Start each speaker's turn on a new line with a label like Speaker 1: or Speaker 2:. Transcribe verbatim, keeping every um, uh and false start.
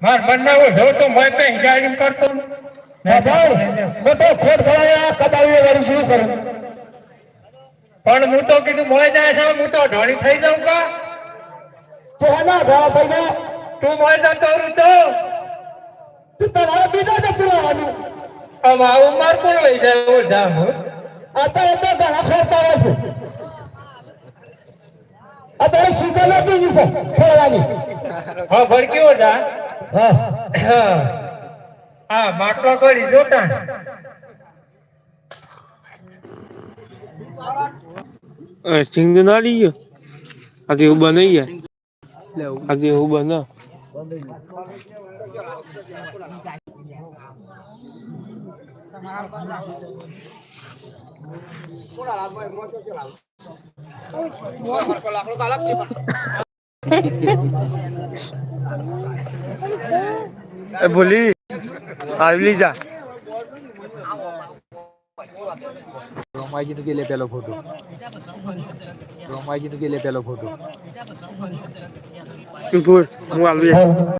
Speaker 1: માર બનાવો જો તો મેં કઈ ગાડી કરતો
Speaker 2: મોટો ખોટ ખવાયા કદાવી વાળી શું કરું
Speaker 1: પણ હું તો કીધું મોય જાય છે હું તો ઢોળી થઈ જાઉં કા
Speaker 2: તો ના ઘણા થઈ ગયા
Speaker 1: તું મોય જતો રહું તો
Speaker 2: તું તમારે બીજા જતું રહેવાનું
Speaker 1: હવે આવું માર કોણ લઈ જાય એવું જામ
Speaker 2: અત્યારે તો ઘણા ખોરતા હોય છે અત્યારે શીતલ હતી છે ફેરવાની
Speaker 1: હા ભડક્યો જા
Speaker 2: હા
Speaker 1: હા માટલો કરી જોતા
Speaker 3: સિંગ ના લઈ ગયો આજે એવું બનાવી ગયા આજે એવું બના બોલી આવી લીધા
Speaker 4: રોમાજી નું કે પેલો ફોટો રોમાજી નું કે પેલો ફોટો
Speaker 3: હું આવી